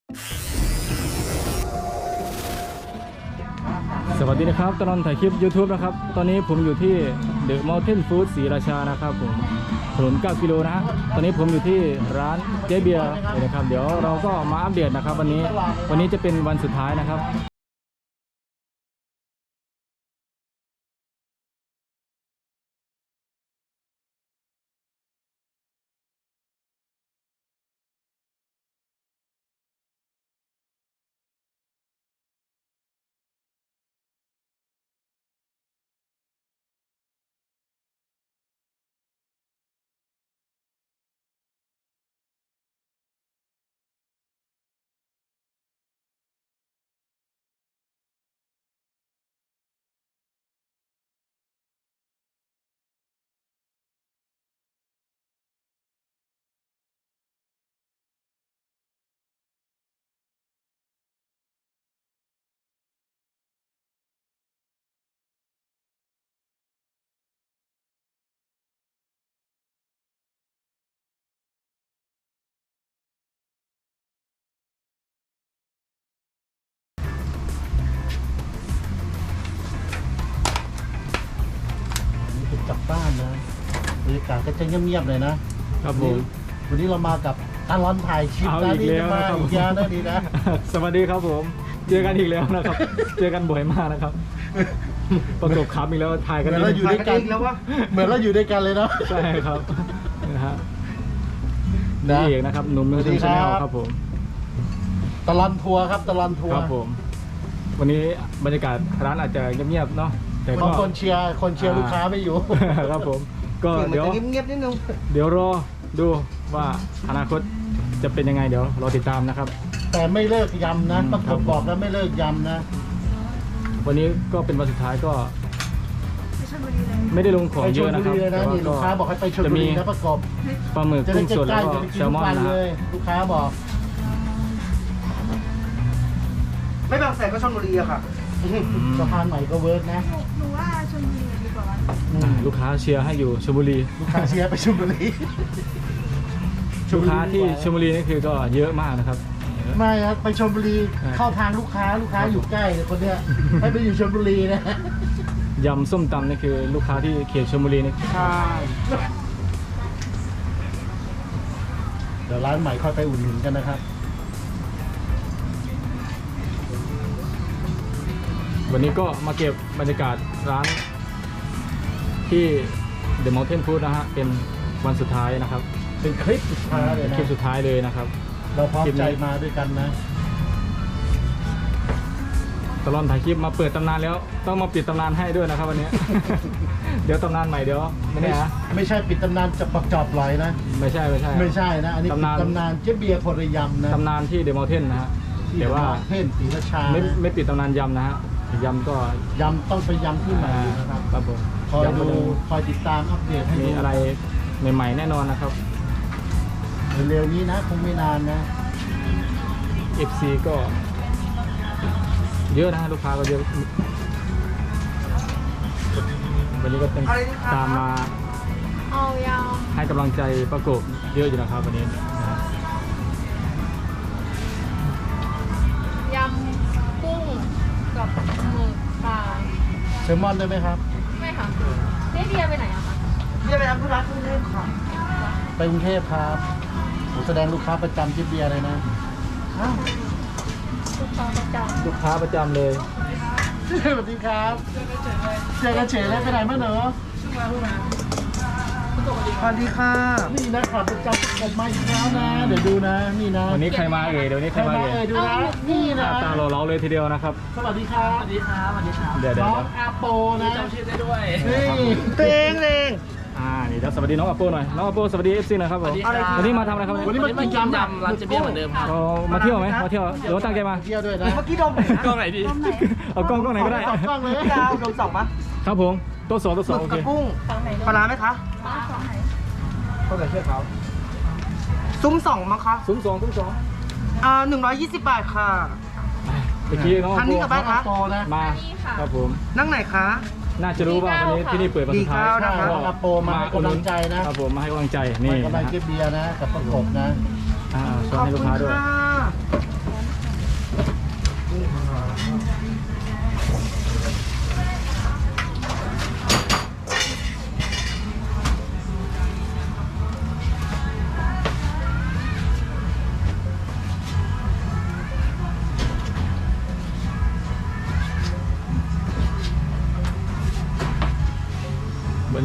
สวัสดีนะครับตลอดถ่ายคลิป YouTube นะครับตอนนี้ผมอยู่ที่ The Mountain Food ศรีราชานะครับผมถนน9 กิโลนะตอนนี้ผมอยู่ที่ร้านเจ๊เบียร์นะครับเดี๋ยวเราก็มาอัปเดตนะครับวันนี้จะเป็นวันสุดท้ายนะครับกลับบ้านนะบรรยากาศก็จะเงียบๆเลยนะครับผมวันนี้เรามากับตลอดถ่ายคลิปเอาอีกแล้วมานะครับอีกยาได้ดีนะสวัสดีครับผมเจอกันอีกแล้วนะครับ เจอกันบ่อยมากนะครับประกบขับอีกแล้วถ่ายเหกันมือนเราอยู่ด้วยกันแล้ววะเหมือนเราอยู่ด้วยกันเลยเนาะใช่ครับนะฮะนะนี่เองนะครับหนุ่มเมืองชาแนลครับผมตลอดทัวร์ครับตลอดทัวคร์รับผมวันนี้บรรยากาศร้านอาจจะเงียบๆเนาะแต่ก็บางคนเชียร์ลูกค้าไม่อยู่ครับผมก็เดี๋ยวเงียบๆนิดนึงเดี๋ยวรอดูว่าอนาคตจะเป็นยังไงเดี๋ยวรอติดตามนะครับแต่ไม่เลิกยำนะอืมประครักบบบอกแล้วไม่เลิกยำนะวันนี้ก็เป็นวันสุดท้ายก็ไม่ได้ลงของไปชเยลอะนะบุครับรีเลยนะแต่ว่านี่ลูกค้าบอกให้ไปชลจะบุมีรีนะประกบปลาหมึกจะได้กุ้งสดใกแล้วล้ๆก็จะไปกิแซนลทุมกอนวันนะเลฮะยลูกค้าบอกไม่บางแสนก็ชลบุรีอะค่ะสะพานใหม่ก็เวิร์กนะหนูว่าชลบุรีดีกว่าลูกค้าเชียร์ให้อยู่ชลบุรีลูกค้าเชียร์ไปชลบุรีลูกค้าที่ชลบุรีนี่คือก็เยอะมากนะครับไม่ครับไปชลบุรีใช่เข้าทางลูกค้าอยู่ใกล้เลยคนเนี้ยให้ไปอยู่ชลบุรีนะยำส้มตำนี่คือลูกค้าที่เขตชลบุรีนี่ใช่เดี๋ยวร้านใหม่ค่อยไปอุ่นหนุนกันนะครับวันนี้ก็มาเก็บบรรยากาศร้านที่ The Mountain Food นะฮะเป็นวันสุดท้ายนะครับเป็นคลิปสุดท้ายเลยเป็นนะคลิปสุดท้ายเลยนะครับเราพร้อมคลิปนี้ใจมาด้วยกันนะตลอดถ่ายคลิปมาเปิดตำนานแล้วต้องมาปิดตำนานให้ด้วยนะครับวันนี้ เดี๋ยวตำนานใหม่เดี๋ยวไม่แน่นะไม่ใช่ปิดตำนานจะปักจอบลอยนะไม่ใช่ไม่ใช่นะ อันนี้ปิดตำนานเจ๊เบียร์พลยำนะตำนานที่ The Mountain นะฮะที่แต่ว่าเพ่นศรีราชาไม่ปิดตำนานยำนะฮะยำก็ยำต้องไปยำที่ใหม่นะครับครับผมคอยยำก็ดูจะคอยติดตามอัปเดตให้มีดูอะไรใหม่ๆแน่นอนนะครับเร็วๆนี้นะคงไม่นานนะ FC ก็เยอะนะฮะลูกค้าก็เยอะวันนี้ก็เป็นตามมาเอายาวให้กำลังใจประกบเยอะอยู่นะครับวันนี้นะฮะยำกุ้งกับหมึกค่ะเซลมอนได้ไหมครับไม่ค่ะเจ๊เบียร์ไปไหนอะคะเรียกไปทำธุระกรุงเทพค่ะไปกรุงเทพครับผมแสดงลูกค้าประจำเจ๊เบียร์เลยนะอ้าวลูกค้าประจลูกค้าประจำเลยสวัสดีครับเจอกันเฉยแล้วไปไหนมาเนอะสวัสดีค่ะนี่นะขับประจำผมมาอีกแล้วนะ เดี๋ยวดูนะ นี่นะวันนี้ใครมาเอ่ยเดี๋ยวนี้ใคใครรมามาเอ่เอ่ยยดูนะ นี่นะตาเราเลยทีเดียวนะครับสวัสดีครับสวัสดีค่ะสวัสดีค่ะเดี๋ยวน้องอาโปนะจำชื่อได้ด้วยนี่ตัวเองเองนี่เดี๋ยวสวัสดีน้องอัปโปหน่อยน้องอัปโปสวัสดี FC หน่อยครับผมสวัสดีครับวันนี้มาทำอะไรครับวันนี้มากินยำร้านเจเบียร์เหมือนเดิมครับเรามาเที่ยวไหมมาเที่ยวหรือว่าตั้งใจมาเที่ยวด้วยนะเมื่อกี้ดมไหนนะกล้องไหนดีเอากล้องไหนก็ได้สองกล้องเลยดาวดมสองปะครับผมโต๊ะสองโอหมึกเคกับกุ้งำฝั่งไหนปลาร้าไหมคะบ้านฝั่งไหนเข้าใจเชื่อเขาซุ้มสองมั้งคะซุ้มสอง 120 บาทค่ะเมื่อกี้น้องคันนี้กลับบ้านอาโปนะมาครับผมนั่งไหนคะน่าจะรู้ว่าวันนี้ที่นี่เปิดวันสุดท้ายดีครับน้องอาโปมาให้กำลังใจนะครับผมมาให้กำลังใจนี่นี่กำลังเจ๊เบียร์นะ กับประกบนะชวนขอบให้ลูคุกณค้าด้วยค่ะ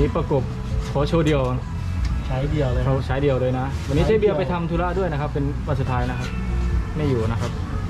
นี้ประกบขอโชว์เดียวใช้เดียวเลยเขาใช้เดียวเลยนะ วันนี้เจ๊เบียร์ไปทำธุระด้วยนะครับ เป็นวันสุดท้ายนะครับ ไม่อยู่นะครับ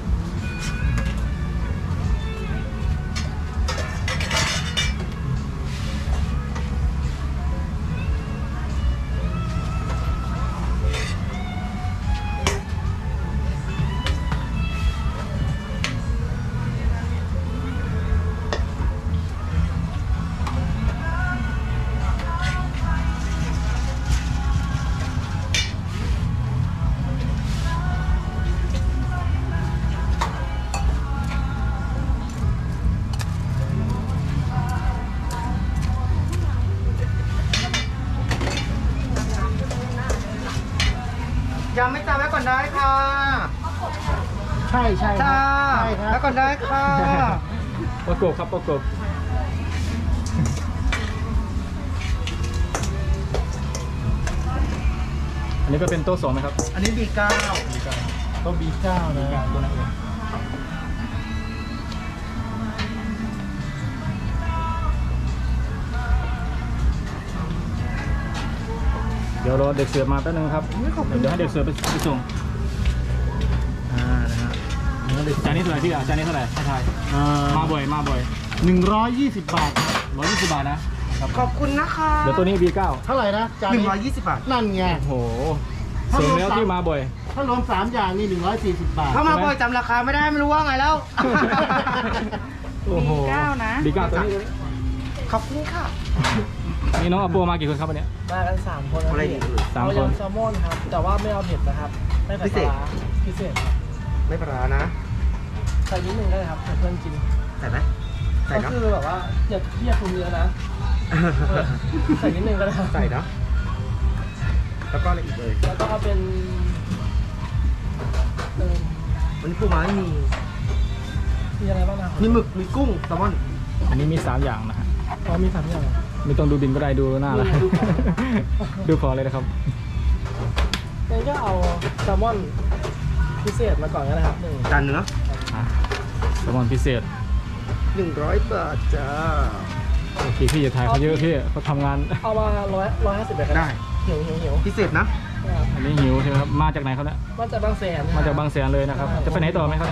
ยังไม่จ่ายไว้ก่อนได้ค่ะใช่ใช่ครัจ้าบใช่ครัไว้บก่อนได้ค่ะประกบครับประกบ อันนี้ก็เป็นโต๊ะสองนะครับอันนี้ B9 ก็ B9 นะตัวนั้นเองเดี๋ยวรอเด็กเสิร์ฟมาแป๊บนึงครับ เดี๋ยวให้เด็กเสิร์ฟไปส่งนะฮะจานนี้เท่าไหร่พี่อ่ะจานนี้เท่าไหร่ให้ทายมาบ่อยมาบ่อย 120 บาทครับ 120 บาทนะขอบคุณนะคะเดี๋ยวตัวนี้ B9 เท่าไหร่นะจานนี้ 120 บาทนั่นไงโอ้โหสมแล้วที่มาบ่อยถ้ารวม3อย่างนี่140 บาทถ้ามาบ่อยจำราคาไม่ได้ไม่รู้ว่าไงแล้วโอ้โห B9 นะ B9 ตัวนี้ขอบคุณค่ะนี่น้องอัปโปมากี่คนครับวันเนี้ยมากัน3 คนนะอะไรพี่ดีสามเอาคนยำแซลมอนครับ แต่ว่าไม่เอาเผ็ดนะครับ ไม่ใส่พิปเศษลาร้าพิเศษครับไม่ปลาร้านะใส่นิดนึงได้ครับเผื่อเพื่อนกินใส่ไหมใส่ก็เนาะคือแบบว่าอย่าพี่อย่าปรุงเยอะนะใส่นิดนึงก็ได้ครับใส่เนาะแล้วก็อะไรอีกเลยแล้วก็เอาเป็นเออวันนี้ปูม้าไม่มีมีอะไรบ้างนะครับมีหมึก มีกุ้งแซลมอนอันนี้มี 3 อย่างนะฮะอ๋อมี3อย่างเหรอไม่ต้องดูบินก็ได้ดูหน้าละดูของดูของเลยนะครับงั้นก็เอาแซลมอนพิเศษมาก่อนก็ได้ครับหนึ่งจานเนื้อแซลมอนพิเศษ 100 บาทจ้าโอเคพี่อย่าถ่ายเขาเยอะพี่เขาทำงานเอามา150แบบก็ได้หิวพิเศษนะนะครับอันนี้หิวใช่ไหมครับ มาจากไหนครับเนี่ยมาจากบางแสนมาจากบางแสนเลยนะครับ จะไปไหนต่อไหมครับ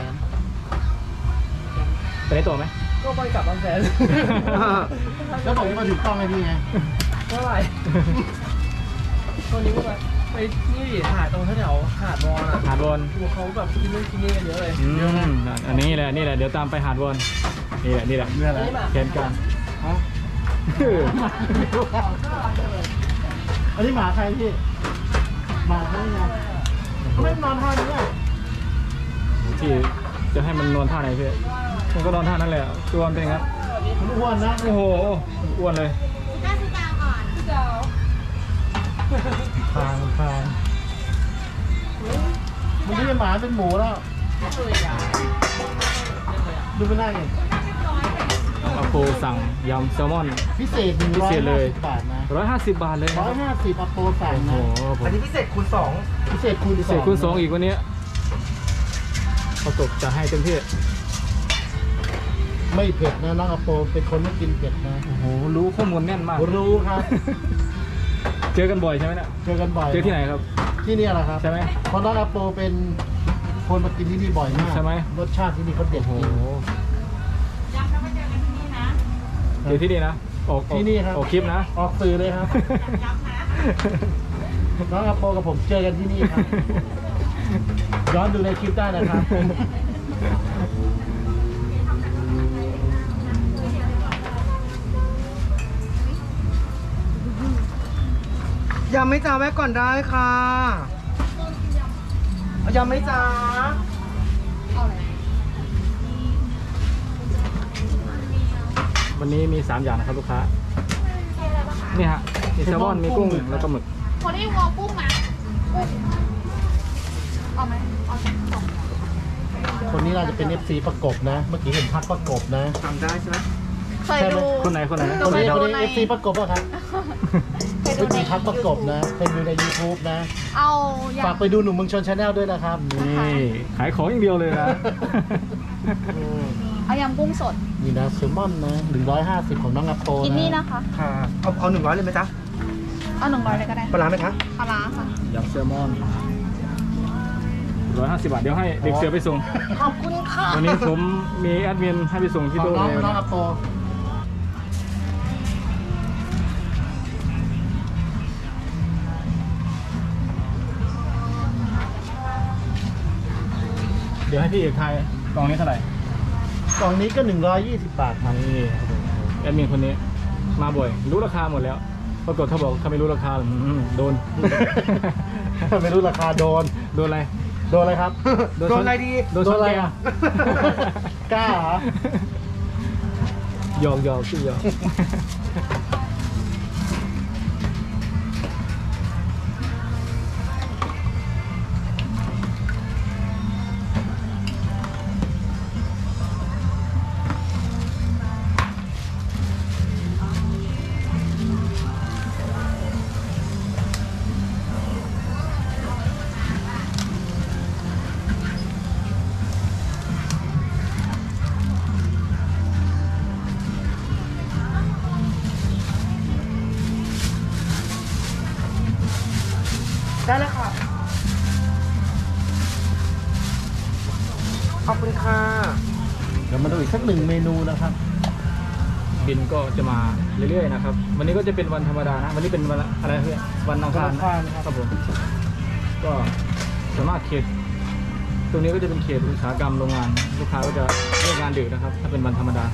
ไปไหนต่อไหมก็ไปกลับบางแสนแล้วบอกจะมาถึงต้องไงพี่ไงเท่าไหร่วันนี้ก็ไปนี่ดิหาดตรงแถวๆหาดวอนอ่ะหาดวอนดูเขาแบบกินนู่นกินนี่กันเยอะเลยอันนี้แหละนี่แหละเดี๋ยวตามไปหาดวอนนี่แหละนี่แหละเรื่องอะไรนี่มาแผนการอันนี้หมาใครพี่หมาใครไงเขาไม่นอนท่านี้อ่ะที่จะให้มันนอนท่าไหนพี่มันก็นอนท่านั้นแหละตัวมันเป็นอย่างนั้นมันอ้วนนะโอ้โหอ้วนเลยคางคางมันไม่ใช่หมาเป็นหมูแล้ว ดูไม่ได้ไงอาโปสั่งยำแซลมอนพิเศษพิเศษเลย 150 บาทนะ 150 บาทเลยนะครับ 150อัปโปสั่งโอ้โหนะผมอันนี้พิเศษคูณพิเศษคูณพิเศษคูณ2อีกวันนี้เขาตกจะให้เต็มที่ไม่เผ็ดนะน้องอัปโปเป็นคนไม่กินเผ็ดนะโอ้โหรู้ข้อมูลแน่นมากรู้ครับเจอกันบ่อยใช่ไหมเนี่ยเจอกันบ่อยเจอที่ไหนครับที่นี่แหละครับใช่ไหมเพราะน้องอัปโปเป็นคนมากินที่นี่บ่อยมากใช่ไหมรสชาติที่นี่เขาเด็ดโอ้จโหริงเจอที่นี่นะออกที่นี่ครับออกคลิปนะออกสื่อเลยครับ น้องอัปโปกับผมเจอกันที่นี่ครับ ย้อนดูในคลิปได้นะครับ 2ยำไม่จ้าไว้ก่อนได้ค่ะเอายำไม่จ้าวันนี้มี 3 อย่างนะครับลูกค้านี่ฮะมีแซลมอนมีกุ้งแล้วก็หมึกคนที่วอลกุ้งนะกุ้งเอาไหมเอาสองคนนี้น่าจะเป็น FC ประกบนะ เมื่อกี้เห็นพักประกบนะทำได้ใช่ไหมเคยดูคนไหนคนไหนคนนี้เคยดูคนนี้ใน FC ประกบป่ะครับเคยดูเมื่อในกี้พักประกบนะเป็นดูใน YouTube นะเอายฝากไปดูหนุ่มเมืองชนชาแนลด้วยนะครับนี่ขายของอย่างเดียวเลยนะอืมเอายำกุ้งสดนี่นะแซลมอนนะ150ของน้องอัปโปกินนี่นะคะค่ะ เอา100เลยไหมจ๊ะเอา100เลยก็ได้ปลาร้าไหมคะปลาร้าค่ะยำแซลมอน150 บาท เดี๋ยวให้เด็กเสือไปส่งขอบคุณค่ะวันนี้ผมมีแอดมินให้ไปส่งที่ของโต๊ะน้องเลยน้องอัปโปเดี๋ยวให้พี่เอกทายกล่องนี้เท่าไหร่กล่องนี้ก็120 บาทครับนี่แอดมินคนนี้มาบ่อย รู้ราคาหมดแล้วปรากฏเขาบอกเขาไม่รู้ราคาโดนไม่รู้ราคาโดนโดนอะไรโดนอะไรครับโดนอะไรดีโดนช้อนโดนอะไรแกงอ่ะ กล้าเหรอหยอกหยอกพี่หยอกได้แล้วค่ะ ขอบคุณค่ะเดี๋ยวมาดูอีกสัก1 เมนูนะครับบินก็จะมาเรื่อยๆนะครับ วันนี้ก็จะเป็นวันธรรมดานะ วันนี้เป็นวันอะไรเพื่อนวันอังคารวันอังคารครับครับผม ก็สามารถเขต ตรงนี้ก็จะเป็นเขตอุตสาหกรรมโรงงาน ลูกค้าก็จะเลิกงานดึกนะครับ ถ้าเป็นวันธรรมดา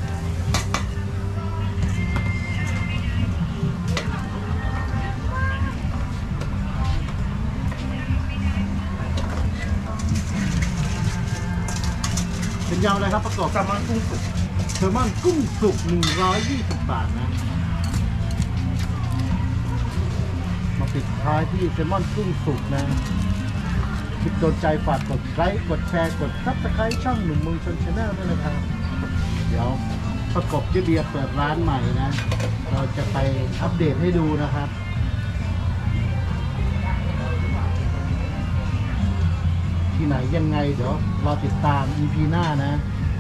เป็นยำอะไรครับประกอบแซลมอนกุ้งสุกแซลมอนกุ้งสุก120 บาทนะ มาปิดท้ายที่แซลมอนกุ้งสุกนะคลิปโดนใจฝากกดไลค์กดแชร์กดซับสไครต์ช่องหนุ่มเมืองชนชาแนลด้วยนะครับ เดี๋ยวประกบเจ๊เบียร์เปิดร้านใหม่นะ เราจะไปอัปเดตให้ดูนะครับ ที่ไหนยังไงเดี๋ยวรอติดตาม EP หน้านะ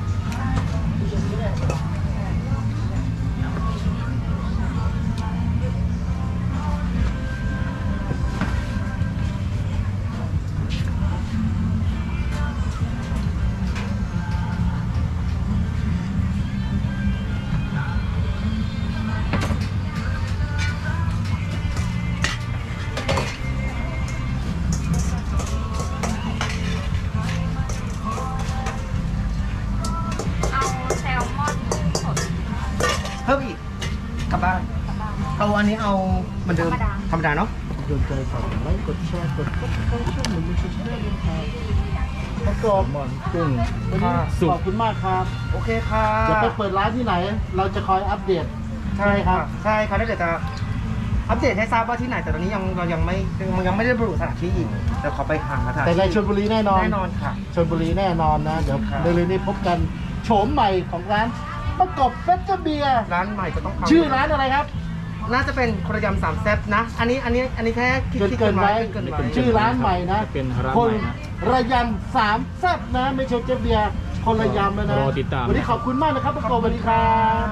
เอาแซลมอนกุ้งสดเพิ่มอีก กลับบ้าน เอาอันนี้เอาเหมือนเดิม ธรรมดาเนาะโดนใจฝากกดไลค์กดแชร์กดซับสไครต์ช่องหนุ่มเมืองชนชาแนลด้วยนะครับประกอบมอนกุ้งวันนี้สุกขอบคุณมากครับโอเคค่ะจะไปเปิดร้านที่ไหน เราจะคอยอัปเดตใช่ค่ะ ใช่ค่ะแล้วเดี๋ยวจะอัปเดตให้ทราบว่าที่ไหน แต่ตอนนี้เรายังไม่ได้ระบุสถานที่อีกเดี๋ยวขอไปหาสถานแต่ในที่ชลบุรีแน่นอนแน่นอนค่ะชลบุรีแน่นอนนะ เดี๋ยวครับเร็วๆนี้พบกันโฉมใหม่ของร้านประกอบเฟสเบียร์ร้านใหม่จะต้องเข้าชื่อร้านอะไรครับน่าจะเป็นคนละยำ3แซ่บนะ อันนี้แค่คิดเกินไว้เกินไว้ชื่อร้านใหม่นะเป็นร้านคใหนม่นะระยำ3แซ่บนะ ไม่ใช่เจ๊เบียร์คนระยำแล้วนะรอติดตามวันนี้ขอบคุณมากนะครับประกอบสวัสดีครับ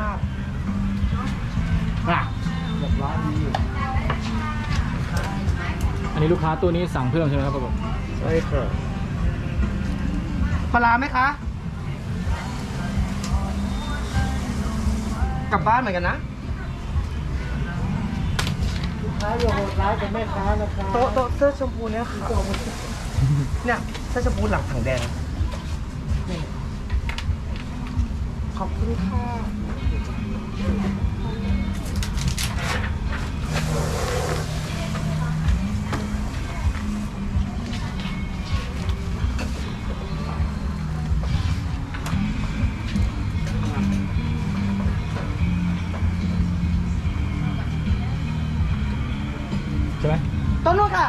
อ่ะเรียบร้อยดีอันนี้ลูกค้าตัวนี้สั่งเพิ่มใช่ไหมครับผมใช่ค่ะปลาร้าไหมคะ กลับบ้านเหมือนกันนะลูกค้าอย่าโหดร้ายกับแม่ค้านะครับโต๊ะเสื้อชมพูเนี่ยค่ะเนี่ยเสื้อชมพูหลังถังแดงนี่ขอบคุณค่ะใช่ไหมต้นนู้นค่ะ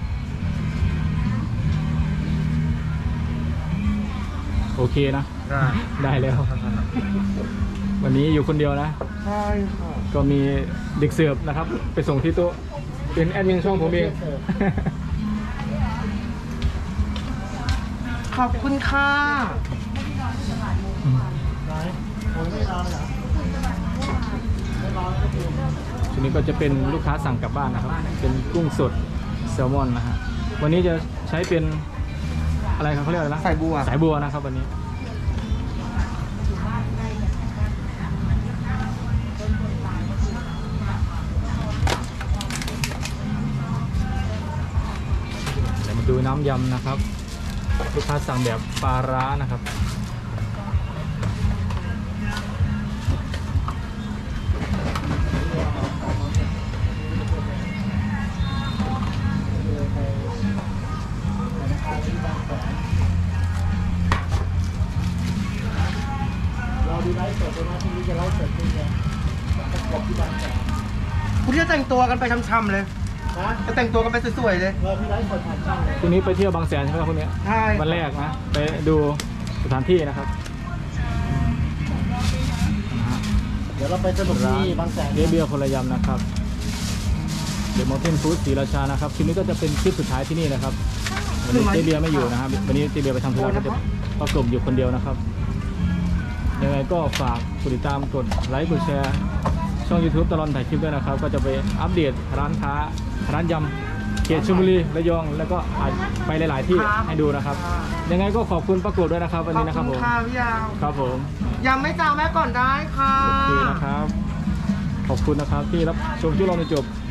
โอเคนะ ได้แล้ว วันนี้อยู่คนเดียวนะใช่ค่ะก็มีเด็กเสิร์ฟนะครับ ไปส่งที่โต๊ะเป็นแอดมินช่องผมเองขอบคุณค่ะรโอ้ยไม่รอเลยเหรอไม่รอแล้วก็คือชุดนี้ก็จะเป็นลูกค้าสั่งกลับบ้านนะครับ เป็นกุ้งสดแซลมอนนะฮะวันนี้จะใช้เป็นอะไรครับเขาเรียกอะไรนะสายบัวสายบัวนะครับวันนี้เดี๋ยวมาดูน้ำยำนะครับ ลูกค้าสั่งแบบปลาร้านะครับเราดูไลฟ์สดเลยนะที่นี้จะไลฟ์สดจริงเลยประกอบที่บางแสนคุณจะแต่งตัวกันไปช่ำๆเลยนะจะแต่งตัวกันไปสวยๆเลยเราที่ไลฟ์สดผ่านช่องเลยพรุ่งนี้ไปเที่ยวบางแสนใช่ไหมครับพรุ่งนี้ใช่วันแรกนะ ไปดูสถานที่นะครับเดี๋ยวเราไปสนุกที่บางแสนเจ๊เบียร์คนละยำนะครับเดี๋ยวมอเทนฟู้ดศรีราชานะครับคลิปนี้ก็จะเป็นคลิปสุดท้ายที่นี่นะครับวันนี้เจ๊เบียร์ไม่อยู่นะครับวันนี้เจ๊เบียร์ไปทำธุระก็จะประกบอยู่คนเดียวนะครับยังไงก็ฝากกดติดตามกดไลค์กดแชร์ช่อง YouTube ตลอดถ่ายคลิปด้วยนะครับก็จะไปอัปเดตร้านค้าร้านยำเขตชลบุรีระยองแล้วก็อาจไปหลาย ๆ ที่ให้ดูนะครับยังไงก็ขอบคุณประกบด้วยนะครับวันนี้นะครับขผอบมณค่ะพี่ยาวครับผมยังไม่จางแม่ก่อนได้ค่ะโอเคนะครับ ขอบคุณนะครับที่รับชมที่เราจนจบ